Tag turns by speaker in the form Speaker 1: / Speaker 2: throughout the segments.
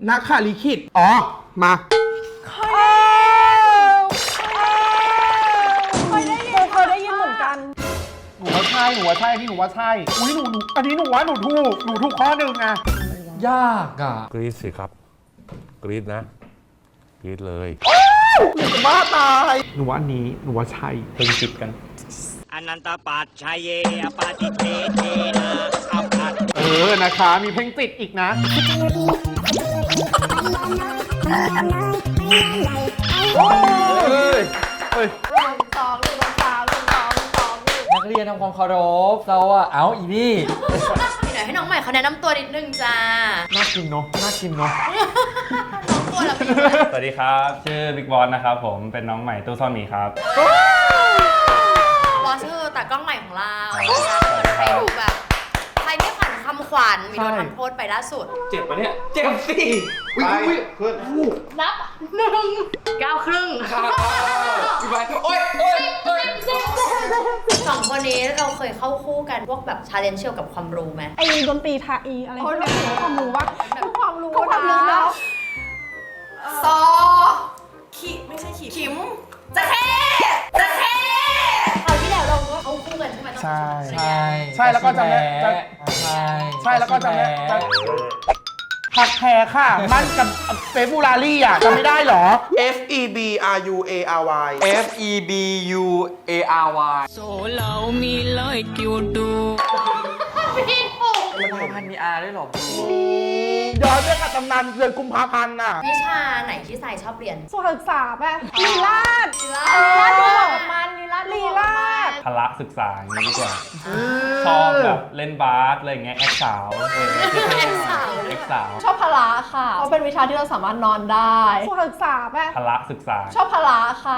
Speaker 1: นักข่าลิขิตอ๋อมา
Speaker 2: เคยได้ยินเหมือนกัน
Speaker 1: หนูว่าใช่อันนี้หนูว่าใช่อุ้ยหนูอันนี้หนูว่าหนูถูกข้อหนึ่งอะ
Speaker 3: ยากอ่ะ
Speaker 4: กรี๊ดสิครับกรี๊ดนะกรี๊ดเลย
Speaker 1: หนูว่าตายหนูว่าอันนี้หนูว่าใช่เพลงติดกัน
Speaker 5: อนันตปัจชัยเยอปาติเทเทนะอัปปัต
Speaker 1: นะคะมีเพลงติดอีกนะ
Speaker 3: นักเรียนทำความเคารพเราอ่ะเอาอีนี่
Speaker 2: เดี๋ยวให้น้องใหม่เขาแนะนำตัวนิดนึงจ้า
Speaker 1: น่ากินเนาะ
Speaker 2: น้องตัวละพี่
Speaker 6: สวัสดีครับชื่อบิ๊กบอสนะครับผมเป็นน้องใหม่ตู้ซ่อนหมีครับ
Speaker 2: บอสคือตากล้องใหม่ของเราใครดูแบบใครไม่ผ่านคำขวัญมีโดนทำโทษไปล่าสุด
Speaker 6: เจ็บปะเนี่ยเจ็บสิ
Speaker 1: อุ้ย
Speaker 2: นับ1 9 ครึ่ง
Speaker 6: พี่บายโอ๊ย
Speaker 2: สองคนนี้เราเคยเข้าคู่กันพวกแบบชาเลนจ์เกี่ยวกับความรู้ไหม
Speaker 7: ไอ้ดนตรีไทยอะไรพวกนี้ความรู้ว่า
Speaker 2: ความรู้
Speaker 7: นะ
Speaker 2: ซอไม่ใช่ขิมจะแค่คราวที่แล้วเราก็เข้าคู่กันใช่ไหม
Speaker 1: ใช่
Speaker 3: ใช่
Speaker 1: แล้วก็จำได้ใช่แล้วก็จำได้ผักแพรค่ะมันกับเฟบูลารี่อ่ะจำไม่ได้หรอ F E B R U A R Y
Speaker 3: F E B U A R Y
Speaker 5: โซเรามีเลยกิวดู
Speaker 3: มันพันมี R ด้วยหรอ
Speaker 1: ย้อนไปกับตำนานเดือนกุมภาพันธ์น่ะ
Speaker 2: วิชาไหนที่สายชอบเรียน
Speaker 7: สุขศึกษาป่ะลีลาดดูแบบมันลีลาด
Speaker 6: พละศึกษาอย่างนี้ดีกว่าชอบแบบเล่นบาสอะไรเงี้ยแอคสาว
Speaker 7: ชอบพละค่ะเพราะเป็นวิชาที่เราสามารถนอนได้สุขศึกษาป่ะ
Speaker 6: พละศึกษา
Speaker 7: ชอบพละค่ะ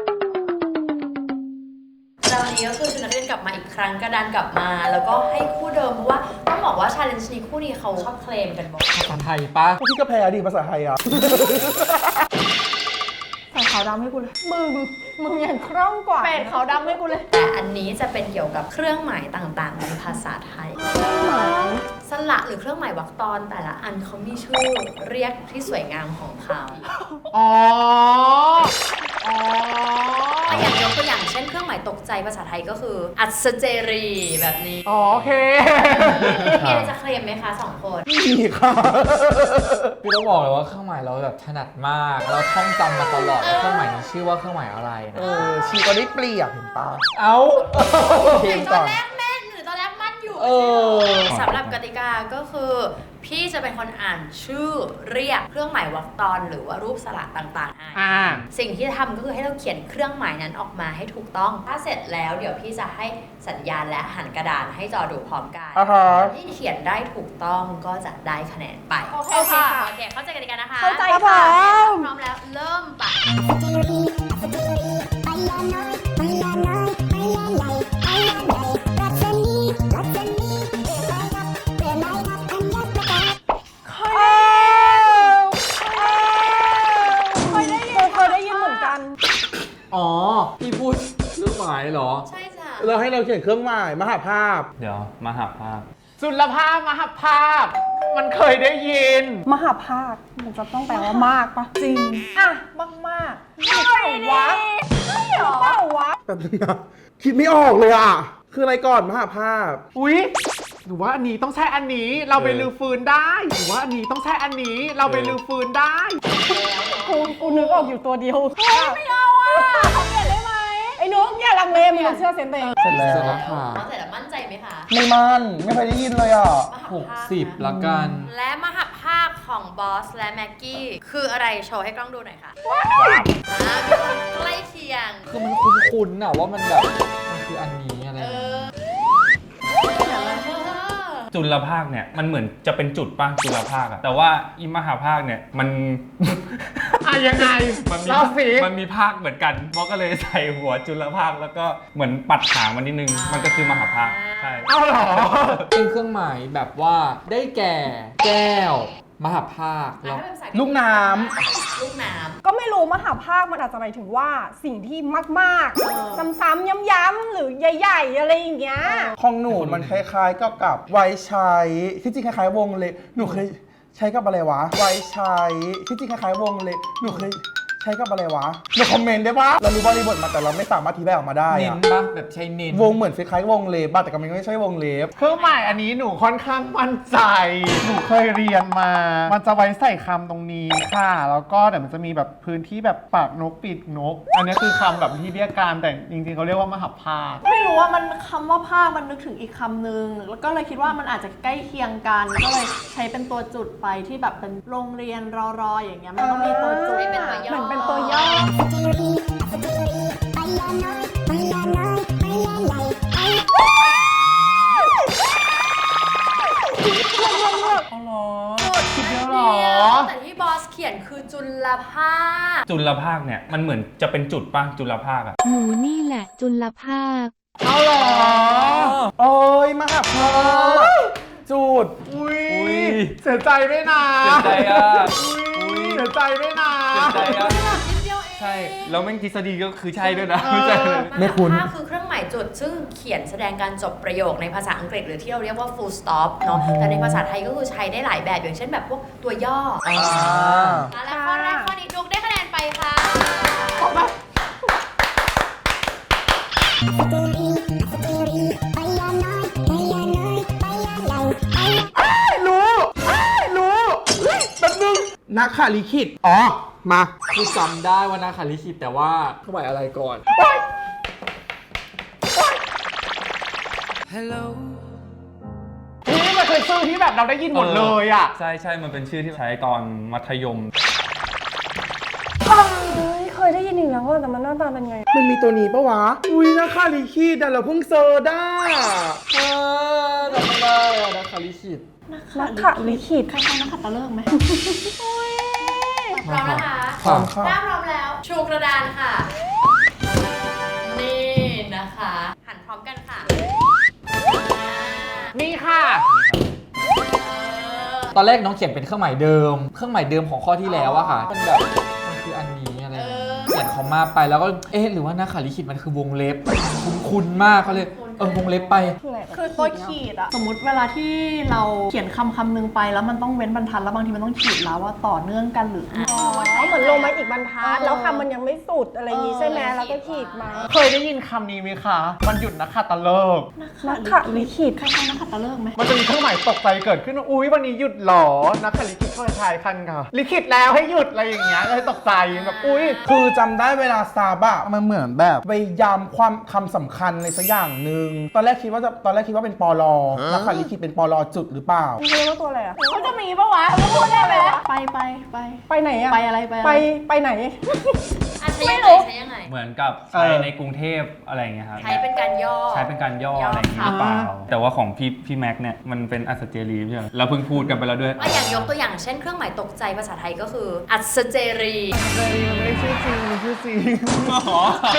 Speaker 2: แล้ววันนี้ก็คือชุดนักเรียนกลับมาอีกครั้งกระดานกลับมาแล้วก็ให้คู่เดิมเพราะว่าต้องบอกว่าชาเลนจ์นี้คู่นี้เขาชอบเคลมกันบอก
Speaker 3: ภาษาไทยปะ
Speaker 1: พี่ก็แพ้ดิภาษาไทยอ่ะ
Speaker 7: ใส่ขาวดำให้กูเลยมึงอย่างคล่องกว่าเป็ดขาวดำให้กูเลย
Speaker 2: แต่อันนี้จะเป็นเกี่ยวกับเครื่องหมายต่างๆในภาษาไทยสระหรือเครื่องหมายวรรคตอนแต่ละอันเขามีชื่อเรียกที่สวยงามของเขาอย่างยกตัวอย่างเช่นเครื่องหมายตกใจภาษาไทยก็คืออัศเจรีแบบนี้
Speaker 1: โอเค
Speaker 2: มีอะไรจะเคลมไหมคะ2 คน
Speaker 1: มีค่ะ
Speaker 3: พี่ต้องบอกเลยว่าเครื่องหมายเราแบบถนัดมากเราท่องจำมาตลอดเครื่องหมายนี้ชื่อว่าเครื่องหมายอะไรนะ
Speaker 1: ชีก็ได้เปรียบเห็นปะ
Speaker 2: ถึงตอนแรกแม่หรือตอนแรกมั่นอยู่สำหรับกติกาก็คือพี่จะเป็นคนอ่านชื่อเรียกเครื่องหมายวรรคตอนหรือว่ารูปสระต่างๆให้สิ่งที่ทำก็คือให้เราเขียนเครื่องหมายนั้นออกมาให้ถูกต้องถ้าเสร็จแล้วเดี๋ยวพี่จะให้สัญญาณและหันกระดานให้จอดูพร้อมกันที่เขียนได้ถูกต้องก็จะได้คะแนนไป
Speaker 7: โอเคค่ะ
Speaker 2: โอเคเข้าใจกติกานะคะ
Speaker 7: เข้าใจค่ะ
Speaker 2: พร้อมแล้วเริ่มปะ
Speaker 3: อ๋อพี่พูดเครื่องหมายเหรอ
Speaker 2: ใช่จ้ะ
Speaker 1: เราให้เราเขียนเครื่องหมายมหาภาพ
Speaker 6: เดี๋ยวมหาภาพ
Speaker 1: จุลภาพมหาภาพมันเคยได้ยิน
Speaker 7: มหาภาคมันจะต้องแปลว่ามากปะจริงอ่ะมากไม่เปล่าวะ
Speaker 1: แบบนึงนะคิดไม่ออกเลยอ่ะคืออะไรก่อนมหาภาพอุ๊ยหนูว่าอันนี้ต้องใช่อันนี้เราไปลือฟื้นได้หนูว่าอันนี้ต้องใช่อันนี้เราไปลือฟื้นได้
Speaker 7: กูนึกออกอยู่ตัวเดียวไม่เอาอ่ะเขาเปลี่ยนได้ไหมไอ้นุ๊กอย่าลังเลมึงเชื่อเซนเต
Speaker 1: เสร็จแล้ว
Speaker 2: ค่ะเสร็จแล้วมั่นใจไหมคะ
Speaker 1: ไม่มั่นไม่เคยได้ยินเลยอ่ะ
Speaker 3: 60ละกัน
Speaker 2: และมหาภาคของบอสและแม็กกี้คืออะไรโชว์ให้กล้องดูหน่อยค่ะมีความใกล้เคียง
Speaker 3: คือมันคุ้นๆน่ะว่ามันแบบมันคืออันนี้อะไร
Speaker 6: จุลภาคเนี่ยมันเหมือนจะเป็นจุดป่ะจุลภาคอะแต่ว่าอิมหาภาคเนี่ยมัน
Speaker 1: ยังไง
Speaker 6: มันมีภาคเหมือนกันเพราะก็เลยใส่หัวจุลภาคแล้วก็เหมือนปัดหางมันนิดนึงมันก็คือมหาภาคใช่
Speaker 1: เอาหรอ
Speaker 3: เป็นเครื่องหมายแบบว่าได้แก่แก้วมหาภาคแล้ว
Speaker 1: ลูกน้
Speaker 2: ำ
Speaker 7: ก็ไม่รู้มหาภาคมันอาจจะหมายถึงว่าสิ่งที่มากๆซ้ำๆย้ำๆหรือใหญ่ๆอะไรอย่างเงี้ย
Speaker 1: ของหนูมันคล้ายๆกับไว้ใช้ที่จริงคล้ายๆวงเลยหนูเคยใช้กับอะไรวะ ไว้ใช้ที่จริงคล้ายๆวงเล็บหนูเคยใช้กับอะไรวะหนูคอมเมนต์ได้ปะเรารู้บริบทมาแต่เราไม่สามารถอธิบายออกมาได้
Speaker 3: เน้
Speaker 1: อะ
Speaker 3: นปะแบบใช้เน้น
Speaker 1: วงเหมือนคล้ายๆวงเล็บบ้างแต่ก็ไม่ใช่วงเล็บเครื่องหมายอันนี้หนูค่อนข้างมั่นใจ หนูเคยเรียนมา มันจะไว้ใส่คำตรงนี้ค่ะ แล้วก็เดี๋ยวมันจะมีแบบพื้นที่แบบปากนกปีกนก อันนี้คือคำแบบที่เรียกการแต่จริงๆเขาเรียกว่ามหัพพาต
Speaker 7: ไม่รู้ว่ามันคำว่าภาคมันนึกถึงอีกคำหนึ่งแล้วก็เลยคิดว่ามันอาจจะใกล้เคียงกัน ก็เลยใช้เป็นตัวจุดไปที่แบบเป็นโรงเรียนรออย่างเงี้ยมันต้องมีตัวจุด
Speaker 2: ให้เป็นตัวย่อ
Speaker 7: เหมือนเป็นตัวย่อ
Speaker 1: คิดเยอะเหรอ
Speaker 2: แต่ที่บอสเขียนคือจุลภาค
Speaker 6: จุลภาคเนี่ยมันเหมือนจะเป็นจุดป่ะจุลภาคอะ
Speaker 8: หนูนี่แหละจุลภาค
Speaker 1: เอาเหรอโอ้ยมหัพพาตจุด อุ้ยเสียใจด้วยนะ
Speaker 6: เสียใจอะ
Speaker 1: อุ้ยเสียใจด้วยนะ
Speaker 6: เสียใจอะ
Speaker 2: นิดเดียวเอง
Speaker 6: ใช่แล้วแม่งทฤษฎีก็คือใช่ด้วยนะไม่ใช่เลย
Speaker 1: ไม่คุ้น
Speaker 2: มหัพพาตคือเครื่องหมายจุด ซึ่งเขียนแสดงการจบประโยคในภาษาอังกฤษหรือที่เราเรียกว่า full stop เนาะแต่ในภาษาไทยก็คือใช้ได้หลายแบบอย่างเช่นแบบพวกตัวย่ออและข้อแรกข้อนี้นุกได้คะแนนไปค่ะ
Speaker 1: รู้แป๊บนึงนักข่าลิขิตอ๋อ มา
Speaker 3: คือจำได้ว่านาคาลิขิตแต่ว่าเครื่องหมายอะไรก่อน
Speaker 1: นี่มันคือชื่อที่แบบเราได้ยินหมดเลยอ่ะ
Speaker 6: ใช่ใช่มันเป็นชื่อที่ใช้ตอนมัธยม
Speaker 7: เคยได้ยินอีกแล้วว่าแต่มันหน้าตาเป็นไง
Speaker 1: มันมีตัวนี้ปะวะ อุ้ยนักข่าลิขิตแต่เราเพิ่งเซอร์ได้
Speaker 3: จำไม่ได้อะนาคาลิขิต
Speaker 7: นักขะลิขิตคล้ายๆนักขัตฤกษ์ไหม
Speaker 2: พร้อมนะคะ
Speaker 1: พร้อมค่ะ
Speaker 2: ถ้าพร้อมแล้ว ชูกระดานค่ะ นี่นะคะ หันพร้อมกันค่ะ
Speaker 1: นี่ค่ะ
Speaker 3: ตอนแรกน้องเขียนเป็นเครื่องหมายเดิม เครื่องหมายเดิมของข้อที่แล้วอะค่ะมันแบบมันคืออันนี้อะไรอย่างเงี้ยเขียนคอมมาไปแล้วก็เอ๊ะหรือว่านาคาลิขิตมันคือวงเล็บคุ้นๆมากก็เลยวงเล็บไป
Speaker 7: คือตัวขีดอะสมมติเวลาที่เราเขียนคำหนึ่งไปแล้วมันต้องเว้นบรรทัดแล้วบางทีมันต้องขีดแล้วว่าต่อเนื่องกันหรือเหมือนลงมาอีกบรรทัดแล้วคำมันยังไม่สุดอะไรอย่างงี้ใช่ไหมแล้วก็ขีดมา
Speaker 1: เคยได้ยินคำนี้ไหมคะมันหยุดนักขัตฤกษ์
Speaker 7: นักขะลิขิตคล้ายๆนักขัตฤกษ์ไหม
Speaker 1: มันจะมีเครื่องหมายตกใจเกิดขึ้นว่าอุ๊ยวันนี้หยุดหรอ นักข่าลิขิตก็คล้ายๆกันค่ะลิขิตแล้วให้หยุดอะไรอย่างเงี้ยเลยตกใจแบบอุ๊ย คือจำได้เวลาซาบะมันเหมือนแบบไปย้ำความคำสำคัญอะไรสักอย่างหนึ่งตอนแรกคิดว่าเป็นปลนักข่าลิขิตเป็นปลจุดหรือเปล่า
Speaker 7: เรียกว่าตัวอะไรอะมันจะมีปะวะพูดได้ไหมไปไหนอะไปอะไรไปไหน
Speaker 2: อ่ะใช้ยังไงใช้ยังไง
Speaker 6: เหมือนกับใช้ในกรุงเทพอะไรอย่างเงี้ยครับ
Speaker 2: ใช้เป็นการย่อ
Speaker 6: ใช้เป็นการย่อ
Speaker 2: ค่ะ
Speaker 6: อะไรอย่างเงี้ยหรือเปล่า แต่ว่าของพี่แม็กเนี่ยมันเป็นอัศเจรีใช่ไหมเราเพิ่งพูดกันไปแล้วด้วย
Speaker 2: อ่ะอย่างยกตัวอย่างเช่นเครื่องหมายตกใจภาษาไทยก็คือ อัศเจรี
Speaker 1: ไม่ได้ชื่อจริงมันชื่อจริง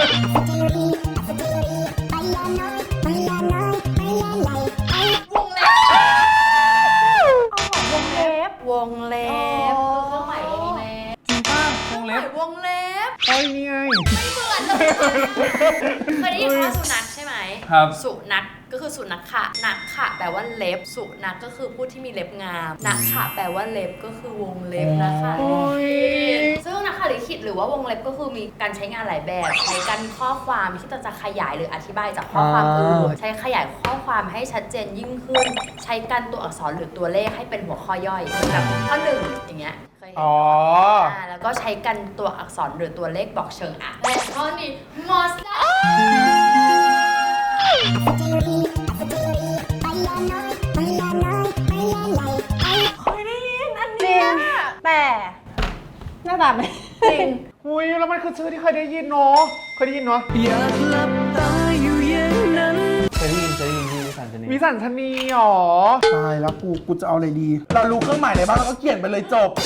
Speaker 2: วงเล็บคือเครื่องหมายวงเล็บ
Speaker 6: จริงป่ะวง
Speaker 2: เครื่
Speaker 6: เล็
Speaker 2: องห
Speaker 6: บ
Speaker 2: มายวงเล็บ
Speaker 1: เอ้ยนี่ไง
Speaker 2: ไม่เหมือนเลยเคยได้ยินคำว่าสุนัขใช่ไหม
Speaker 6: ครับ
Speaker 2: สุนัขก็คือสุนัขค่ะนักค่ะแปลว่าเล็บ สุนัขก็คือผู้ที่มีเล็บงามนักค่ะแปลว่าเล็บก็คือวงเล็บนะคะ ซึ่งนักข่าลิขิตหรือว่าวงเล็บก็คือมีการใช้งานหลายแบบ ใช้กันข้อความที่จะขยายหรืออธิบายจากข้อความอื่นใช้ขยายข้อความให้ชัดเจนยิ่งขึ้น ใช้กันตัวอักษรหรือตัวเลขให้เป็นหัวข้อย่อยเหมือนแบบข้อหนึ่งอย่างเงี้ยเคยเห็น
Speaker 1: อ๋อ
Speaker 2: แล้วก็ใช้กันตัวอักษรหรือตัวเลขบอกเชิงอ่ะและข้อนี้มอสได้
Speaker 7: เคยได้ยินอันนี้แต่หน้าตาไม่จริง
Speaker 1: อุ้ยแล้วมันคือชื่อที่เคยได้ยินเนาะเคยได้ยินเนาะ
Speaker 6: เคยได้ยินที่สันจะนี่
Speaker 1: วิสัญชนีหรอตายแล้วกูจะเอาอะไรดี เรารู้เครื่องหมายอะไรบ้างแล้วก็เขียนไปเลยจบ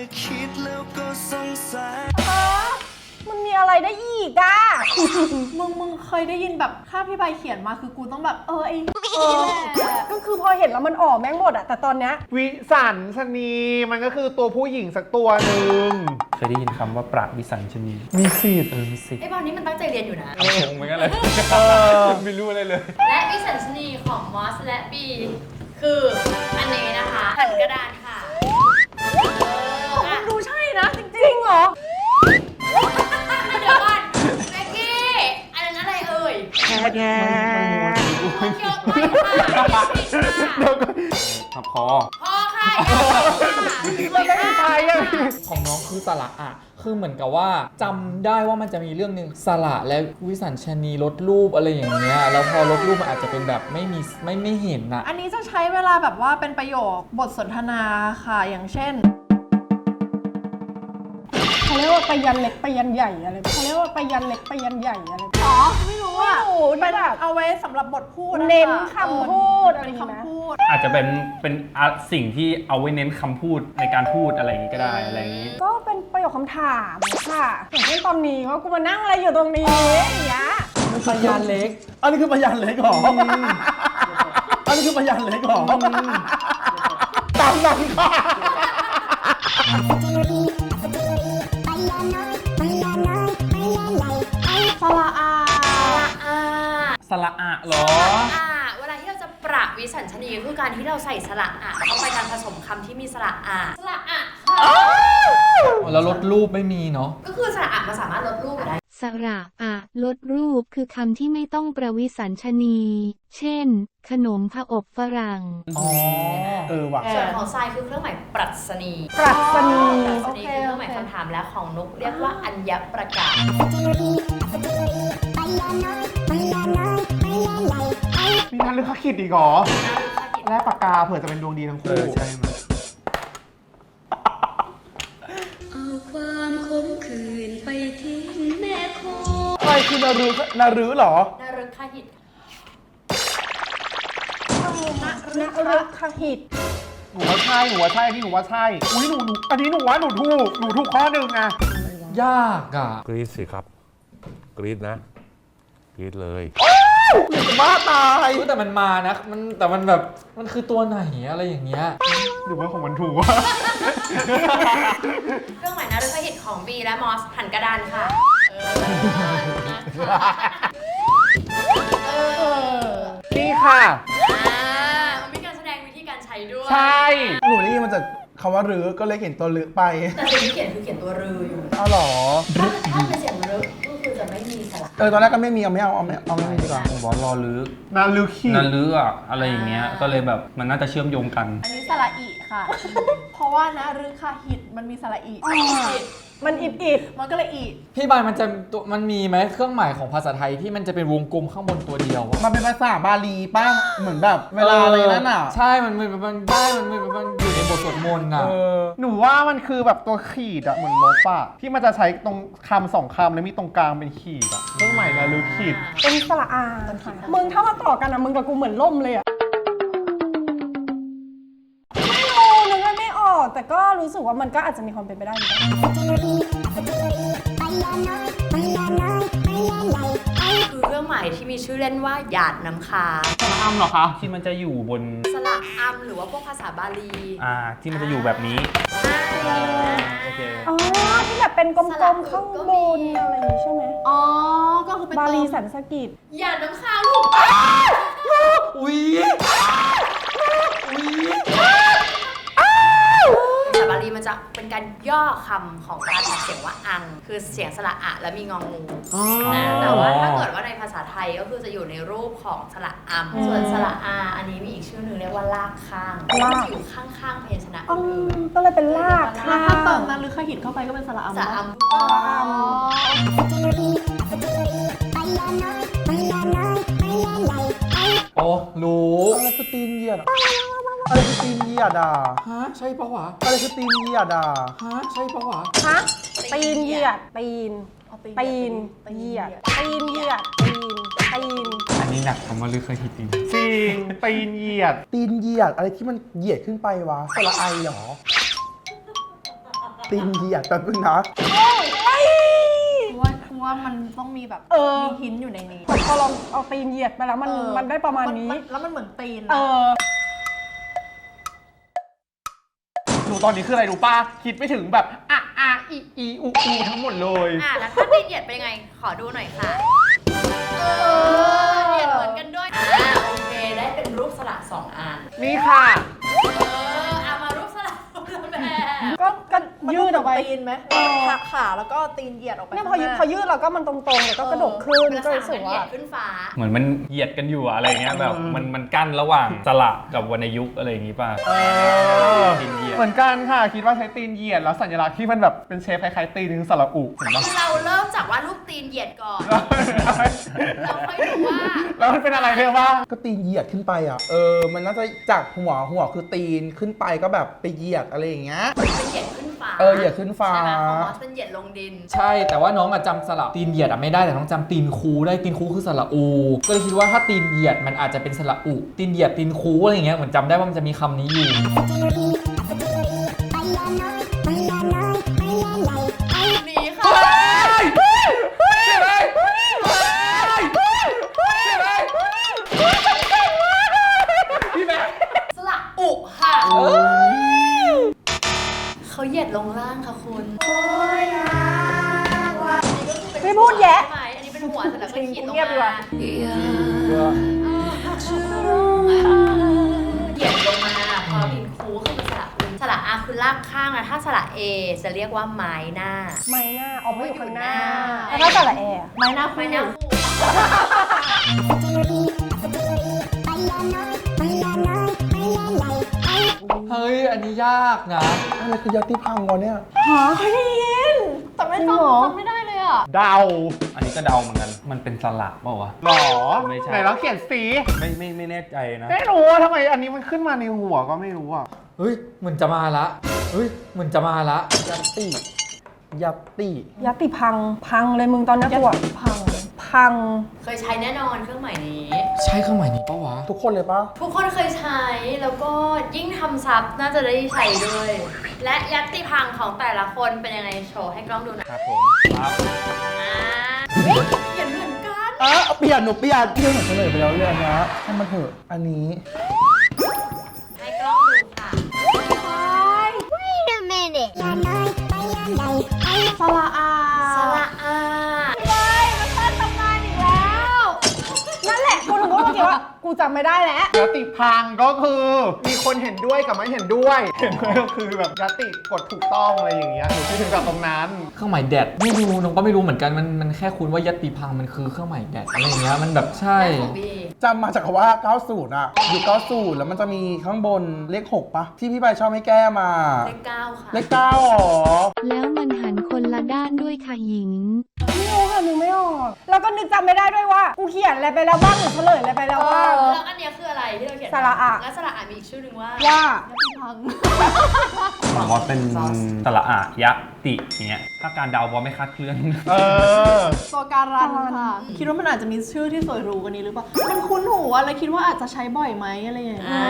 Speaker 7: มันมีอะไรได้อีกอ่ะ มึงเคยได้ยินแบบค่าพี่ใบเขียนมาคือกูต้องแบบไอ้นี่แหละก็คือพอเห็นแล้วมันออกแม่งหมดอะแต่ตอนเนี้ย
Speaker 1: วิสัญชนีมันก็คือตัวผู้หญิงสักตัวหนึ่ง
Speaker 6: เคยได้ยินคำว่าปราบวิสัญชนี
Speaker 1: มีสิทธิ์
Speaker 6: มีสิทธิ์
Speaker 2: ไอ้บอลนี้มันตั้งใจเรียนอยู่นะ
Speaker 6: งงเหมือนกันเลยไม่รู้อะไรเลย
Speaker 2: และวิสัญชนีของมอสและบีคืออันนี้นะคะหันกระดานค่ะ
Speaker 6: ครับคอ
Speaker 2: พอค่ะ
Speaker 1: มันไม่ใช่อะ
Speaker 3: ของน้องคือสระอะคือเหมือนกับว่าจำได้ว่ามันจะมีเรื่องหนึ่งสระและวิสัญชนีลดรูปอะไรอย่างเงี้ยแล้วพอลดรูปมันอาจจะเป็นแบบไม่เห็นอะ
Speaker 7: อันนี้จะใช้เวลาแบบว่าเป็นประโยคบทสนทนาค่ะอย่างเช่นเขาเรียกว่าไปยันเล็กไปยันใหญ่อะไรเขาเรียกว่าไปยันเล็กไปยันใหญ่อะไรอ๋อไม่รู้อ่ะเป็นแบบเอาไว้สำหรับบทพูดเน้นคำพูดอะไรคำพูด
Speaker 6: อาจจะเป็นสิ่งที่เอาไว้เน้นคำพูดในการพูดอะไรอย่างนี้ก็ได้อะไรอย่างนี้
Speaker 7: ก็เป็นประโยคคำถามค่ะอย่างเช่นตอนนี้ว่ากูมานั่งอะไรอยู่ตรงนี้อย่างเงี้ย
Speaker 3: พยานเล็ก
Speaker 1: อันนี้คือพยานเล็กเหรออันนี้คือพยานเล็กเหรอตามนั้นค่ะ
Speaker 7: สระอา
Speaker 6: สระอะเหรอ
Speaker 2: เวลาที่เราจะประวิสัญชนีคือการที่เราใส่สระอะเข้าไปการผสมคำที่มีสระอะสระอะค่ะ
Speaker 3: แล้วลดรูปไม่มีเนาะ
Speaker 2: ก็คือสระอะมันสามารถลดรูปได้
Speaker 8: สระอะลดรูปคือคำที่ไม่ต้องประวิสัญชนี เช่น ขนมผอบฝรั่ง
Speaker 3: อ๋อ
Speaker 1: ว่ะ
Speaker 2: ส่วนของทรายคือเครื่องหมายปรัชนี
Speaker 7: ปรัชนี
Speaker 2: ปรัชนีคือเครื่องหมายคำถามและของนุกเรียกว่าอัญญประกาศ
Speaker 1: มีนันลึกขคิดอีกเหรอแลกปากกาเผื่อจะเป็นดวงดีทั้งคู่
Speaker 6: ใช่ไหม
Speaker 8: เอาความขมขื่นไปทิ้งแม่คง
Speaker 1: อะไรคือนารื้อเหรอ
Speaker 2: นรึกขหิต
Speaker 7: นรึกขหิต
Speaker 1: หนูว่าใช่อันนี้หนูว่าใช่อุ้ยหนูอันนี้หนูว่าหนูถูกข้อหนึ่งอะ
Speaker 3: ยากอะ
Speaker 4: กรี๊ดสิครับ กรี๊ดนะ กรี๊ดเลย
Speaker 1: อยากจะบ้าตาย
Speaker 3: แต่มันมานะแต่มันแบบมันคือตัวไหนอะไรอย่างเงี้ย
Speaker 1: หรือว่าของมันถูกวะ
Speaker 2: เครื่องหมายนรึกขหิตของบีและมอสหันกระดานค่ะ
Speaker 1: นี่ค่ะ
Speaker 2: มันมีการแสดงวิธีการใช้ด้วย
Speaker 1: ใช่ หนูได้ยินมาจากคำว่ารื้อก็เลยเขียนตัวรื้อไป
Speaker 2: แต่สิ่งที่เขียนคือเขียนตัวรืออยู่
Speaker 1: อ้าวเหรอ
Speaker 2: ถ้าเป็นเสียงรึกก็คือจะไม่มีสระ
Speaker 1: ตอนแรกก็ไม่มีเอาไม่มีดีกว่า
Speaker 6: ผมบอกรอลึก
Speaker 1: นารื้อขีด
Speaker 6: นั่นลึกอะอะไรอย่างเงี้ย ก็เลยแบบมันน่าจะเชื่อมโยงกัน
Speaker 7: อันนี้สระอีค่ะ เพราะว่านะรึกขหิตมันมีสระอีมันอิดมันก็เลยอี
Speaker 3: พี่บายมันมีไหมเครื่องหมายของภาษาไทยที่มันจะเป็นวงกลมข้างบนตัวเดียวอะ
Speaker 1: มันเป็นภาษาบาลีป้าเหมือนแบบเวลาอะไรนั่นอ่ะ
Speaker 3: ใช่ มันอยู่ในบทสวดมนต์น่ะ
Speaker 1: หนูว่ามันคือแบบตัวขีดอะเหมือนลบอะที่มันจะใช้ตรงคำสองคำแล้วมีตรงกลางเป็นขีดอะเครื่องหมายนารื้อขีด
Speaker 7: เป็นสระอาค่ะมึงถ้ามาต่อกันอะมึงกับกูเหมือนล่มเลยอะไม่รู้นึกไม่ออกแต่ก็รู้สึกว่ามันก็อาจจะมีความเป็นไปได้เหมือนกัน
Speaker 2: คือเครื่องหมายที่มีชื่อเล่นว่าหยาดน้ำค้าง
Speaker 1: อ้ำเหรอคะ
Speaker 6: ที่มันจะอยู่บน
Speaker 2: สระอัมหรือว่าพวกภาษาบาลี
Speaker 6: ที่มันจะอยู่แบบนี้
Speaker 2: ใช่นะ
Speaker 6: โอเค
Speaker 7: อ๋อที่แบบเป็นกลมๆข้างบนอะไรอย่างนี้ใช่ไหมอ๋อก็คือเป็นบาลีสันสกฤต
Speaker 2: หยาดน้ำค้างลูก
Speaker 3: อุ๊ย
Speaker 2: ภาษาบาลีมันจะเป็นการย่อคำของการออกเสียงว่าอัง คือเสียงสระอะและมีงองูนะแต่ว่าถ้าเกิดว่าในภาษาไทยก็คือจะอยู่ในรูปของสระอัมส่วนสระอาอันนี้มีอีกชื่อหนึ่งเรียกว่าลากข้างก็จะอยู่ข้างๆพยัญชนะอื่น
Speaker 7: ก็เลยเป็นลาก
Speaker 2: ค่ะ
Speaker 7: ถ้าเติมนั้นหรือขหิตเข้าไปก็เป็นสระอัม
Speaker 2: สระอัม
Speaker 3: โอ้รู้
Speaker 1: อะไรคือตีนเหยียดอะอะไรคือตีนเหยียดอ่ะ
Speaker 3: ฮะ ใช่ปะวะ
Speaker 1: อะไรคือตีนเหยียดอ่ะ
Speaker 3: ฮะ ใช่ปะวะ
Speaker 7: ฮะตีนเหยียดตีนเหยียดตีนเหยียดตีน
Speaker 6: อันนี้หนักคำว่าลึกเคยคิดจริง
Speaker 1: จริงตีนเหยียด ตีนเหยียดอะไรที่มันเหยียดขึ้นไปวะสระไอเหรอ ตีนเหยียดแป๊บนึงนะ
Speaker 7: ว่ามันต้องมีแบบมีหินอยู่ในนี้พอลองเอาตีนเหยียดไปแล้วมันได้ประมาณนี้แล้วมันเหมือนตีน
Speaker 1: หนูตอนนี้คืออะไรรู้ป่ะ คิดไม่ถึงแบบอูทั้งหมดเลย
Speaker 2: แล้วถ้าตีนเหยียดเป็นยังไง ขอดูหน่อยค่ะเหยียดเหมือนกันด้วยโอเคได้เป็นรูปสระสองอัน
Speaker 1: นี่ค่ะ
Speaker 2: เอามารูปสระคนละแบบ
Speaker 7: ก็ยืดออกไปตีนไหมหักขาแล้วก็ตีนเหยียดออกไปเนี่ยพอยืดเราก็มันตรงๆแล้วก็กระดกขึ้น
Speaker 2: ลัก
Speaker 7: ก็
Speaker 2: ษณะ
Speaker 7: รู้สึก
Speaker 2: มันเหยี
Speaker 7: ว่าย
Speaker 2: ดขึ้นฟ้า
Speaker 6: เหมือนมันเหยียดกันอยู่อะอะไรเงี้ยแบบมันกั้นระหว่างสระกับวรรณยุกต์อะไรอย่างงี้ป่ะตีนเหยียด
Speaker 1: เหมือนกันค่ะ คิดว่าใช้ตีนเหยียดแล้วสัญลักษณ์ที่มันแบบเป็นเชฟคล้ายๆตีนสระอุเห็นปะ
Speaker 2: คือเราเริ่มจากว่ารูปตีนเหยียดก่อน เราค่อยดูว่า
Speaker 1: แล้วมันเป็นอะไรเรียกว่า
Speaker 9: ก็ตีนเหยียดขึ้นไปอ่ะ มันน่าจะจากหัวคือตีนขึ้นไปก็แบบไปเหยียดอะไรอย่างเงี้ย
Speaker 2: เป็นเหยียดขึ้นฟ้า
Speaker 9: เหยียดขึ้นฟ้า
Speaker 2: ใช่ไหมของมอสเป็นเหยียดลงดิน
Speaker 3: ใช่แต่ว่าน้องอะจำสระตีนเหยียดอะไม่ได้แต่น้องจำตีนคูได้ตีนคูคือสระอู ก็เลยคิดว่าถ้าตีนเหยียดมันอาจจะเป็นสระอุตีนเหยียดตีนคูอะไรอย่างเงี้ยเหมือนจำได้ว่ามันจะมีคำนี้อยู่
Speaker 2: นี่ค่ะสระอุค่ะเขาเหยียดลงล่างค่ะคุณ
Speaker 7: ไม่พูดแยะ
Speaker 2: ใช่ไหมอันนี้เป็นหัวเสร็จแล้วก็ขีดลง
Speaker 7: เงียบดีก
Speaker 2: มา
Speaker 7: ว่า
Speaker 2: เหยียดลงมาพอดินคูคือเป็นสระอุสระอาคือลากข้างนะถ้าสระเอจะเรียกว่าไม้หน้า
Speaker 7: ไม้หน้าออกมาอยู่ข้างหน้า
Speaker 2: แล้
Speaker 7: แล้ว
Speaker 2: ว
Speaker 7: ก็
Speaker 2: ก็
Speaker 7: สระแอร์ไม้หน้า
Speaker 2: ไม้หน้าคู่
Speaker 3: เฮ้ยอันนี้ยากนะ
Speaker 9: อะไรคือยัตติพังวะเนี่ย
Speaker 7: หาเคยได้ยินแต่ไม่จำไม่ได้เลยอ่ะ
Speaker 1: เดา
Speaker 6: อันนี้ก็เดาเหมือนกันมันเป็นสระเปล่าวะ
Speaker 1: หรอ
Speaker 6: ไม่ใช่
Speaker 1: ไหนลองเขียนสี
Speaker 6: ไม่แน่ใจนะ
Speaker 1: ไม่รู้ว่าทำไมอันนี้มันขึ้นมาในหัวก็ไม่รู้อ่ะ
Speaker 3: เฮ้ยเหมือนจะมาละเฮ้ยเหมือนจะมาละ
Speaker 9: ยัตติ ยัตติ
Speaker 7: ยัตติพังเลยมึงตอนนี้กูอะพัง
Speaker 2: เคยใช้แน่นอนเครื่องหมายนี้
Speaker 3: ใช่เครื่องหมายนี้ปะวะ
Speaker 9: ทุกคนเลยปะ
Speaker 2: ทุกคนเคยใช้แล้วก็ยิ่งทำซับน่าจะได้ใช้ด้วย และยัตติพังของแต่ละคนเป็นยังไงโชว์ให้กล้องดูหน่อย
Speaker 6: ครับผมครับ
Speaker 2: เขียนเหมือนกัน
Speaker 9: เปลี่ยนหนูเปลี่ยนเหมือนเฉลยไปแล้วเรื่องนี้ให้มันเถอะอันนี้
Speaker 2: ให้กล้องดูค่ะ
Speaker 7: สระอา
Speaker 2: สระอา
Speaker 7: มันสร้างตำนานอีกแล้ว นั่นแหละกูถึงพูดเมื่อกี้ว่ากูจำไม่ได้แล้ว
Speaker 1: ยัตติพังก็คือมีคนเห็นด้วยกับไม่เห็นด้วย เห็นด้วยก็คือแบบยัตติกดถูกต้องอะไรอย่างเงี้ยหนูคิดถึงกับตรงนั้น
Speaker 3: เครื่องหมายแดดไม่รู้น้องก็ไม่รู้เหมือนกันมันแค่คุ้นว่ายัตติพังมันคือเครื่องหมายแดดอะไรอย่างเงี้ยมันแบบใช่
Speaker 2: ของบี
Speaker 9: จำมาจากคำว่า 90 อ่ะ อยู่ 90 แล้วมันจะมีข้างบนเลข 6 ปะ ที่พี่ใบชอบให้แก้มา
Speaker 2: เลข 9 ค่ะ
Speaker 9: เลข 9หรอ
Speaker 8: แล้วมันหันคนละด้านด้วยค่ะหญิง
Speaker 7: ไม่รู้ค่ะนึกไม่ออก แล้วก็นึกจำไม่ได้ด้วยว่า กูเขียนอะไรไปแล้วบ้างหรือเฉลยอะไรไปแล้วบ้าง
Speaker 2: แล้วอันเนี้ยคืออะไรที่เราเขียน
Speaker 7: สระอะ
Speaker 2: แล้วสระอะมีอีกชื่อหนึ่งว่า
Speaker 7: ว่า
Speaker 6: ผมว่าเป็นสระอะยะติอย่างเงี้ยถ้าการเดาบอไม่คาดเคลื่อน
Speaker 7: ตัวการันค่ะ คิดว่ามันอาจจะมีชื่อที่สวยหรูกว่านี้หรือเปล่า มันคุ้นหูอะเลยคิดว่าอาจจะใช้บ่อยไหมอะไรอย่างเงี้ย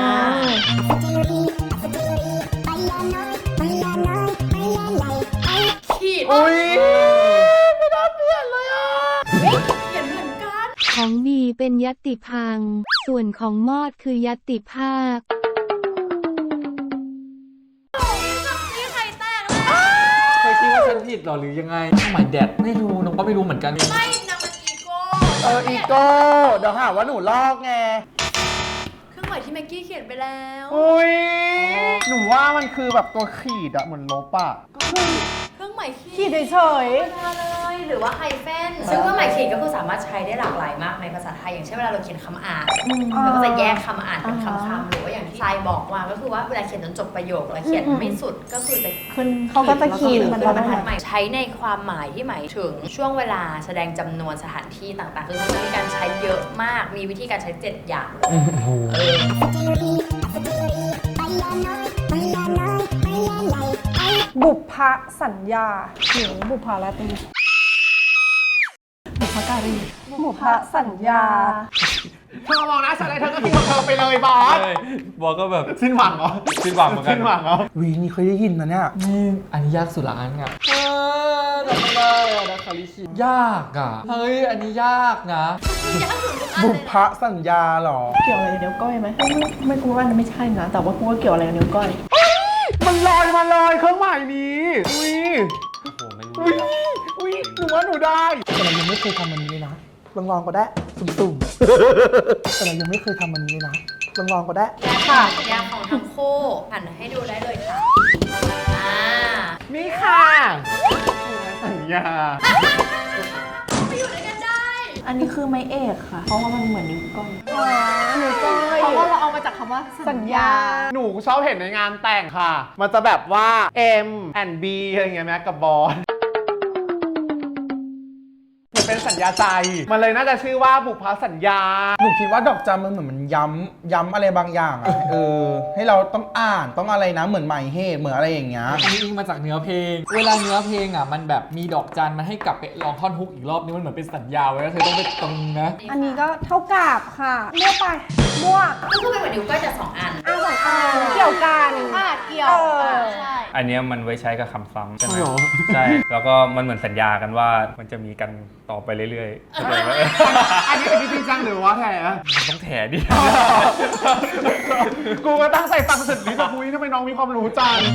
Speaker 2: ขีด
Speaker 1: อุ้ย
Speaker 2: ไม่ได้เปลี่ยนเลยอ่ะเขียนเหมือนกัน
Speaker 8: ของบีเป็นยัตติพัง ส่วนของมอดคือยัตติภาค
Speaker 2: นี่ใครแตกเลย
Speaker 3: เคยคิดว่าฉันผิดหรอหรือยังไงเครื่องหมายแดดไม่รู้น้องก็ไม่รู้เหมือนกัน
Speaker 2: ไม่นางเป็นอีโก้
Speaker 9: อีโก้ เดี๋ยวหาว่าหนูลอกไง
Speaker 2: เครื่องหมายที่แม็กกี้เขียนไปแล้ว
Speaker 1: อุ้ย หนูว่ามันคือแบบตัวขีดอะเหมือนลบอะ
Speaker 2: เครื่องหมาย
Speaker 7: ขีดเฉย
Speaker 2: ธรรมดาเลยหรือว่าไฮเฟนซึ่งเครื่องหมายขีดก็คือสามารถใช้ได้หลากหลายมากในภาษาไทยอย่างเช่นเวลาเราเขียนคำอ่านเราก็จะแยกคำอ่านเป็นคำๆหรือว่าอย่างที่ทรายบอกว่าก็คือว่าเวลาเขียนจนจบประโยคแล้วเขียนไม่สุดก็คือจะ
Speaker 7: ขึ้นเขาก็จะขีด
Speaker 2: มั
Speaker 7: มัน น
Speaker 2: เป็นบรร
Speaker 7: ทั
Speaker 2: ทั
Speaker 7: ด
Speaker 2: ดใหม่ใช้ในความหมายที่หมายถึงช่วงเวลาแสดงจำนวนสถานที่ต่างๆคือมันจะมีการใช้เยอะมากมีวิธีการใช้7อย่าง
Speaker 7: บุพสัญญาหรือบุพลาตรีบุพการีบุพสัญญา
Speaker 1: เธอมองนะฉันอะไรเธอก็คิดของเธอไปเลยบอส
Speaker 6: บอกก็แบบ
Speaker 1: สิ้นหวังเหรอ
Speaker 6: สิ้นหวังเหมือนกัน
Speaker 1: สิ้นหวังเหรอ
Speaker 9: วีนี่เคยได้ยินนะเนี่ย
Speaker 3: นี่อันนี้ยากสุดละอันอ่ะจำไม่ได้อะนะคาริชิยากอ่ะเฮ้ยอันนี้ยากนะ
Speaker 9: บุพสัญญาเหรอ
Speaker 7: เกี่ยวอะไรกับนิ้วก้อยไหมไม่กูว่าไม่ใช่นะ แต่ว่ากูว่าเกี่ยวอะไรกับนิ้วก้อย
Speaker 1: มันลอยมาเลยเครื่องหมายนี้ อุ้ย
Speaker 6: โอ้โหไม่รู้
Speaker 1: อุ้ย อุ้ย หนูว่าหนูได้
Speaker 9: แต่เรายังไม่เคยทำมันนี้เลยนะ ลองก็ได้ สุ่มๆ แต่เรายังไม่เคยทำมันนี้เลยนะ ลองก็ได้
Speaker 2: และค่ะสัญญาของทั้งคู่หันให้ดูได้เลยค่ะ
Speaker 1: นี่ค่ะอ่ะ
Speaker 2: ไปอยู่ด้วยกันได้
Speaker 7: อันนี้คือไม้เอกค่ะ เพราะว่ามันเหมือนนิ้วก้อย
Speaker 9: อ๋อหนูก้อย
Speaker 7: เพราะว่าเราเอามาจากคำว่าสัญญา
Speaker 1: หนูชอบเห็นในงานแต่งค่ะ มันจะแบบว่า M and B อะไรเงี้ยแม้กับบอลมันเป็นสัญญาใจ มันเลยน่าจะชื่อว่าบุพสัญญา
Speaker 9: หนูคิดว่าดอกจันมันเหมือนมันย้ำอะไรบางอย่างอะให้เราต้องอ่านต้องอะไรนะเหมือนหมายเหตุเหมือนอะไรอย่างเงี้ย
Speaker 3: อันนี้อิงมาจากเนื้อเพลง เวลาเนื้อเพลงอ่ะมันแบบมีดอกจันมันให้กลับไปลองท่อนฮุกอีกรอบนึงมันเหมือนเป็นสัญญาไว้ว่าเธอต้องไปตรงนะ
Speaker 7: อันนี้ก็เท่ากับค่ะมั่วไปมั่ว
Speaker 2: ก็คือเป็นเหมือนนิ้วก้อยแต่2 อัน
Speaker 7: สองอันเกี่ยวกันเกี่ยวใช่
Speaker 6: อันเนี้ยมันไว้ใช้กับคำซ้ำใช่ไหม
Speaker 1: อ๋อเหรอ
Speaker 6: ใช่ แล้วก็มันเหมือนสัญญากันว่ามันจะมีกันต่อไปเรื่อยๆเข้าใจไหม
Speaker 1: อันนี้จริงจังหรือว่าแถ
Speaker 6: ต้องแถดิ
Speaker 1: กูก็ตั้งใจฟังสุดฤทธิ์แบบคุยทำไมน้องมีความรู้จัง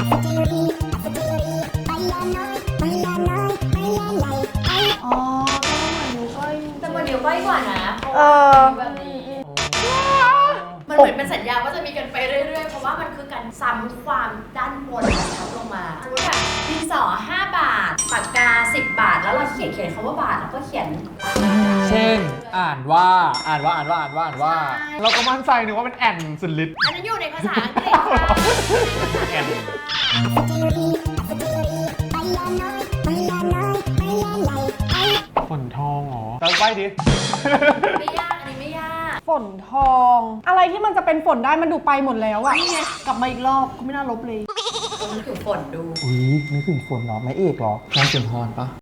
Speaker 7: อ๋อก็เหมือนนิ้วก้อย
Speaker 2: แต่เหมือนนิ้วก้อยกว่านะเพราะ
Speaker 7: เอ
Speaker 2: ว่า
Speaker 7: อ
Speaker 2: แบบนี้มันเหมือนเป็นสัญญาว่าจะมีกันไปเรื่อยๆ เพราะว่ามันคือการซ้ำความด้านบนทับลงมาสมมติแบบดินสอ5 บาท ปากกา 10 บาท แล้วเราเขียนคำว่าบาทแล้วก็เขียน
Speaker 3: เช่น อ่านว่า
Speaker 1: เราก็มั่นใจนึกว่าเป็นแอนสุดฤทธิ์
Speaker 2: อันนั้นอยู่ในภาษาอังกฤษค่ะ
Speaker 6: แอน
Speaker 1: ฝนทองเหรอเติมไปดิ
Speaker 2: ไม่ยาก อันนี้ไม่ยาก
Speaker 7: ฝนทอง อะไรที่มันจะเป็นฝนได้มันดูไปหมดแล้วอะนี่ไงกลับมาอีกรอบก็ไม่น่าลบเลย
Speaker 2: ต้องนึกถึงฝนดู
Speaker 9: อุ้ยนึกถึงฝนเหรอไม้เอกเหรอ
Speaker 3: นางสุนทรปะ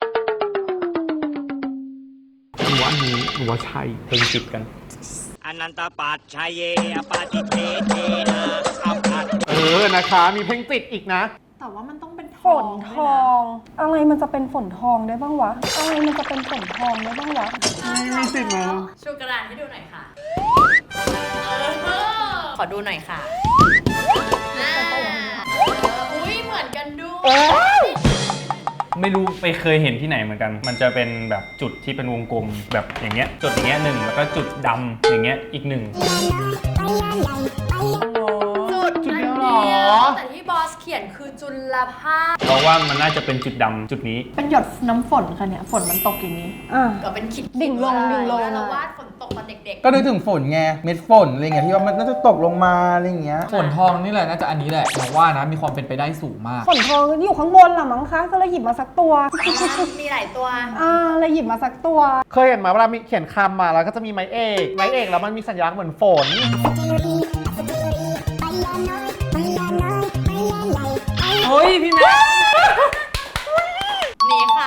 Speaker 1: หนูว่าอันนี้หนูว่าใช่
Speaker 6: เพลงจิตกัน
Speaker 5: อนันตปัจชัยเยอปาติเทเทนะอัปปัต
Speaker 1: นะคะ มีเพลงติดอีกนะ
Speaker 7: แต่ว่ามันต้องเป็น
Speaker 10: ฝนทอง อะไรมันจะเป็นฝนทองได้บ้างวะ อะไรมันจะเป็นฝนทองได้บ้างวะ
Speaker 1: มีสิทธิ์นะ
Speaker 2: ชูกระดานให้ดูหน่อยค่ะขอดูหน่อยค่ะอุ้ยเหมือนกันด้วย
Speaker 6: ไม่รู้ไปเคยเห็นที่ไหนเหมือนกัน มันจะเป็นแบบจุดที่เป็นวงกลมแบบอย่างเงี้ย จุดอย่างเงี้ยหนึ่งแล้วก็จุดดำอย่างเงี้ยอีกหนึ่ง
Speaker 2: จุดเดียวเหรอแต่ที่บอสเขียนคือจุลภาค
Speaker 6: เพราะว่ามันน่าจะเป็นจุดดำจุดนี้
Speaker 7: เป็นหยดน้ำฝนค่ะเนี่ยฝนมันตกอย่างนี้
Speaker 2: ก็เป็นขีด
Speaker 10: ดิ่งลงดิ่งลง
Speaker 2: เราวาดฝนตกตอนเด็ก
Speaker 9: ก็นึกถึงฝนไงเม็ดฝนอะไรเงี้ยที่ว่ามันน่าจะตกลงมาอะไรเงี้ย
Speaker 3: ฝนทองนี่แหละน่าจะอันนี้แหละหนูว่านะมีความเป็นไปได้สูงมาก
Speaker 10: ฝนทองอยู่ข้างบนล่ะมั้งคะ ก็เลยหยิบมาสักตัว
Speaker 2: มีหลายตัว
Speaker 10: เลยหยิบมาสักตัว
Speaker 1: เคยเห็นไหมเวลามีเขียนคำมาแล้วก็จะมีไม้เอกแล้วมันมีสัญลักษณ์เหมือนฝน
Speaker 3: เฮ้ย พี่แม่
Speaker 2: นี่ค่ะ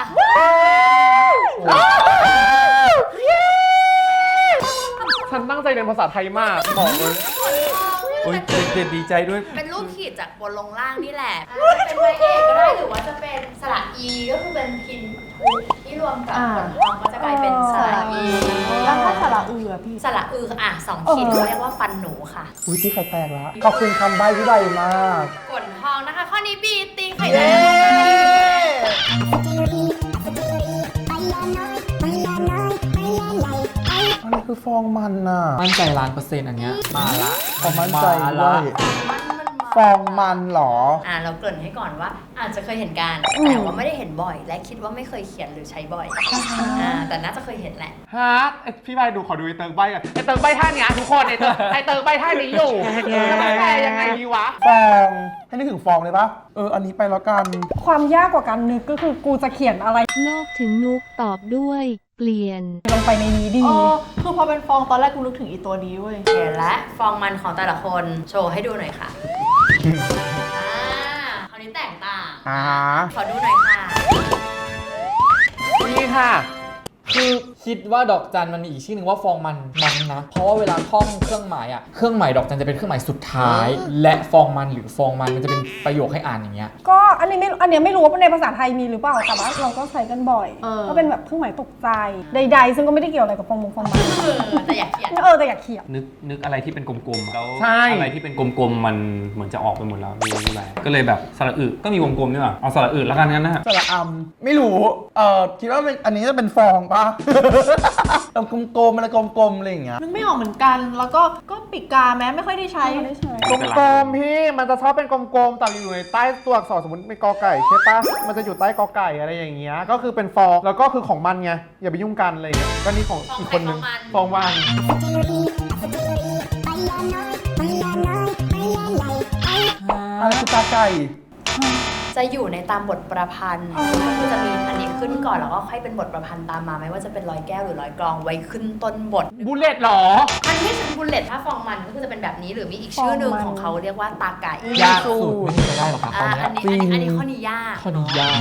Speaker 1: ฉันตั้งใจเรียนภาษาไทยมากบอกเลย
Speaker 3: โอ้ยเด็ดดีใจด้วย
Speaker 2: เป็นรูปขีดจากบนลงล่างนี่แหละจะเป็นไม้เอกก็ได้หรือว่าจะเป็นสระอีก็คือเป็นพินทุที่รวมกับฝนทองก็จะกลายเป็นสระอี
Speaker 7: แล้วถ้าสระอือพี่
Speaker 2: สระอือ2 ขีดเขาเรียกว่าฟันหนูค่ะ
Speaker 9: อุ้ยที่ไข่แตกแล้วขอบคุณคำใบ้ที่ใบมาก
Speaker 2: ฝนทองนะคะ ข้อนี้บีตีไข่แดง
Speaker 9: อะไรคือฟองมันน่ะ
Speaker 3: มั่นใจ1,000,000%อันเนี้ยมาละ
Speaker 9: ความมั่นใจ
Speaker 3: มา
Speaker 9: ด้
Speaker 3: ละ
Speaker 9: วยฟองมันเหรอ
Speaker 2: เราเกริ่นให้ก่อนว่า อาจจะเคยเห็นกันแต่ว่าไม่ได้เห็นบ่อย และคิดว่าไม่เคยเขียนหรือใช้บ่อยแต่น่าจะเคยเห็นแหละ
Speaker 1: ฮะพี่ใบดูขอดูไอเติร์กใบก่อนไอเติร์กใบท่านี้ทุกคนไอเติร์กใบท่านี้อยู่จะไม่แปลยังไงดีวะ
Speaker 9: ฟองให้นึกถึงฟองเลยปะอันนี้ไปแล้วกัน
Speaker 10: ความยากกว่าการนึกก็คือกูจะเขียนอะไร
Speaker 8: โลกถึงนุกตอบด้วย เปลี่ยน
Speaker 10: ลงไปในนี้ดี
Speaker 7: คือพอเป็นฟองตอนแรกกูนึกถึงอีตัวนี้เว้ย
Speaker 2: เห็นและฟองมันของแต่ละคนโชว์ให้ดูหน่อยค่ะคราวนี้แตกต่าง ขอดูหน่อยค่ะ
Speaker 1: นี่ค่ะ
Speaker 3: คือคิดว่าดอกจันมันมีอีกชื่อหนึ่งว่าฟองมันนะ เพราะว่าเวลาท่องเครื่องหมายเครื่องหมายดอกจันจะเป็นเครื่องหมายสุดท้าย และฟองมันหรือฟองมันจะเป็นประโยคให้อ่านอย่างเงี้ย
Speaker 10: ก็อันนี้ไม่รู้ว่าในภาษาไทยมีหรือเปล่า แต่ว่าเราก็ใช้กันบ่อย ก็เป็นแบบเครื่องหมายตกใจ ใดๆ ซึ่งก็ไม่ได้เกี่ยวอะไรกับฟองมัน
Speaker 2: แต่อยากเขียน
Speaker 10: แต่อยากเขียน
Speaker 6: นึกอะไรที่เป็นกลมๆแล้ว
Speaker 1: ใช่
Speaker 6: อะไรที่เป็นกลมๆมันเหมือนจะออกไปหมดแล้วไม่รู้อะไรก็เลยแบบสระอึก็มีวงกลมนี่หว่าเอาสระอึแล้วกันงั้นนะ
Speaker 9: สระอำไม่รู้คิดว่าอันนี้จะเป็นฟองปะเรากลมๆอะไรกลมๆอะไรอย่างเงี้ย
Speaker 7: นึกไม่ออกเหมือนกัน แล้วก็ปีกกาแม้ไม่ค่อยได้ใช้
Speaker 1: กลมๆพี่มันจะชอบเป็นกลมๆแต่อยู่ในใต้ตัวอักษรสมมติเป็นกอไก่ใช่ปะมันจะอยู่ใต้กอไก่อะไรอย่างเงี้ยก็คือเป็นฟองแล้วก็คือของมันไงอย่าไปยุ่งกันอะไรอย่างเงี้ยก็นี่ของอีกคนนึงฟองมัน
Speaker 9: อะไรคือตาไก่
Speaker 2: จะอยู่ในตามบทประพันธ์ก็คือจะมีอันนี้ขึ้นก่อนแล้วก็ค่อยเป็นบทประพันธ์ตามมาไม่ว่าจะเป็นร้อยแก้วหรือร้อยกลองไว้ขึ้นต้นบท
Speaker 1: บุลเลตหรอ
Speaker 2: มันไม่ใช่บุลเลตถ้าฟองมันก็คือจะเป็นแบบนี้หรือมีอีกชื่อหนึ่งของเขาเรียกว่าตาไก่
Speaker 3: ยากสุดไม่มีใครได้หรอกค่ะตอนเนี้ย
Speaker 2: อันนี้ข้อนี้ยาก
Speaker 3: ข้อนี้ยาก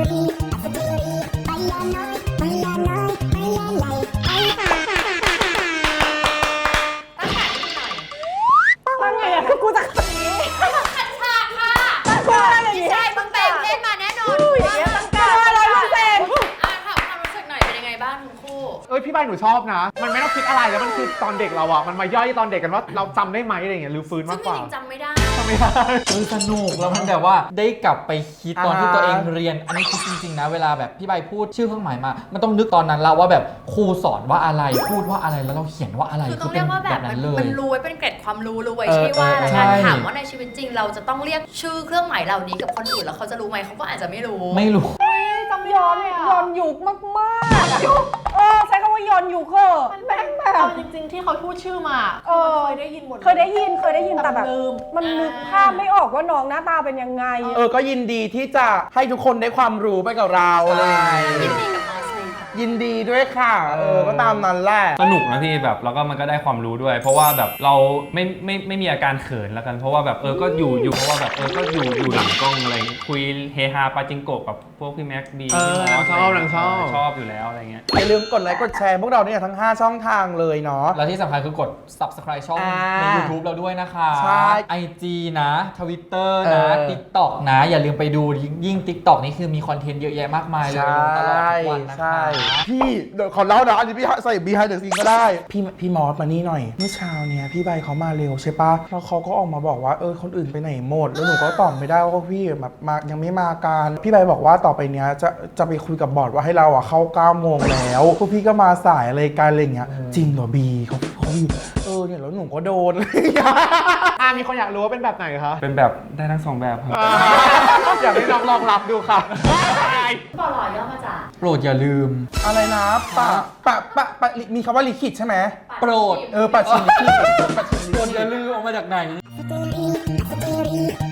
Speaker 10: ตั้งไงอะคือกูจะ
Speaker 2: ขัดฉากค่ะ
Speaker 10: กูอะไรอย่าง
Speaker 2: พี่
Speaker 10: เงี้ย
Speaker 2: ชายมึงแปลงเล่นมาแน่นอน
Speaker 10: อย่างเงี้ยตั้งการ100%
Speaker 2: ถามความรู้สึกหน่อยเป็นยังไงบ้างทั้งคู่
Speaker 1: เอ้ยพี่ใบหนูชอบนะ มันไม่ต้องคิดอะไรแล้วมันคือตอนเด็กเราอะมันมาย่อยตอนเด็กกันว่าเราจำได้ไหมอะไรอย่างเงี้ยหรือฟื้น
Speaker 2: ซึ่
Speaker 1: มาง กกว่า
Speaker 2: จริงๆจำไม่ได้
Speaker 1: จำไม่ได้
Speaker 3: สนุกแล้วมันแบบว่าได้กลับไปคิดตอนที่
Speaker 9: อ่า
Speaker 3: ตัวเองเรียน อันนี้คือจริงๆนะเวลาแบบพี่ใบพูดชื่อเครื่องหมายมา มันต้องนึกตอนนั้นเราว่าแบบครูสอนว่าอะไรพูดว่าอะไรแล้วเราเขียนว่าอะไร
Speaker 2: คือต้
Speaker 3: คือ อง เป็
Speaker 2: เรีย
Speaker 3: น
Speaker 2: กว่าแบ
Speaker 3: แบบ บนั้นเลย
Speaker 2: มันรู้ไว้เป็นเกร็ดความรู้ไว้
Speaker 3: เออ
Speaker 2: ใช่ว่าแล้ว
Speaker 3: ใช่
Speaker 2: กันถามว่าในชีวิตจริงเราจะต้องเรียกชื่อเครื่องหมายเหล่านี้กับคนอื่นแล้วเขาจะรู้ไหมเขาก็อาจจะไม่รู้
Speaker 3: ไม่รู้
Speaker 10: จำย้อนยุคมากๆใช้คำว่าย้อนยุคเหอะ
Speaker 7: มัน
Speaker 10: แม่งแบบ
Speaker 7: เอาจริงๆที่เขาพูดชื่อมา เคยได้ยินหมดล
Speaker 10: เคยได้ยินแต่แบบ
Speaker 7: ลืม
Speaker 10: มันนึกภาพไม่ออกว่าน้องหน้าตาเป็นยังไง
Speaker 9: ก็ยินดีที่จะให้ทุกคนได้ความรู้ไปกับเราอะไรอย่างเลย
Speaker 2: ยินดีกับมอสเลยค่ะ
Speaker 9: ยินดีด้วยค่ะ ก็ตามนั้นแหละ
Speaker 6: สนุกนะพี่แบบแล้วก็มันก็ได้ความรู้ด้วย เพราะว่าแบบเราไม่มีอาการเขินแล้วกัน เพราะว่าแบบก็อยู่เพราะว่าแบบก็อยู่หลังกล้องอะไรอย่างเงี้ยคุยเฮฮาปาจิงโกะกับพวกพี่แม็กบี
Speaker 1: นางชอบนางชอบ
Speaker 6: ชอบอยู่แล้วอะไรเงี้ย
Speaker 9: อย่าลืมกดไลค์กดแชร์พวกเราเนี่ยทั้ง 5 ช่องทางเลยเนาะ
Speaker 3: แล้วที่สำคัญคือกด subscribe ช่อง
Speaker 9: อ่า
Speaker 3: ใน YouTube เราด้วยนะคะ
Speaker 9: ใช่
Speaker 3: IG นะ Twitter นะ TikTok นะ อย่าลืมไปดูยิ่ง TikTok นี่คือมีคอนเทนต์เยอะแยะมากมายเลยลงตลอดทุกวันนะคะ
Speaker 9: ใช่พี่เดี๋ยวขอเล่านะอันนี้พี่ใส่ behind the scene ก็ได้ พี่มอสมานี่หน่อย เมื่อเช้าเนี่ยพี่ใบเขามาเร็วใช่ปะแล้วเขาก็ออกมาบอกว่าคนอื่นไปไหนหมด แล้วหนูก็ตอบไม่ได้ว่าพี่แบบมายังไม่มากันพี่ใบบอกว่าต่อไปเนี้ยจะไปคุยกับบอร์ดว่าให้เราเข้า9 โมงแล้วพวกพี่ก็มาสายอะไรกันอะไรอย่างเงี้ยจริงเหรอบีเขาเนี่ยแล้วหนูก็โดน
Speaker 1: มีคนอยากรู้ว่าเป็นแบบไหนคะ
Speaker 6: เป็นแบบได้ทั้งสองแบบครับ
Speaker 1: อยากให้น้องลองรับดูค่ะ
Speaker 2: บอลย่อมาจาก
Speaker 3: โปรดอย่าลืม
Speaker 9: อะไรนะปะมีคำว่าลิขิตใช่ไหม
Speaker 3: โปรด
Speaker 9: ปัดชิมลิขิต
Speaker 3: โปรดอย่าลืมออกมาจากไหน
Speaker 8: Story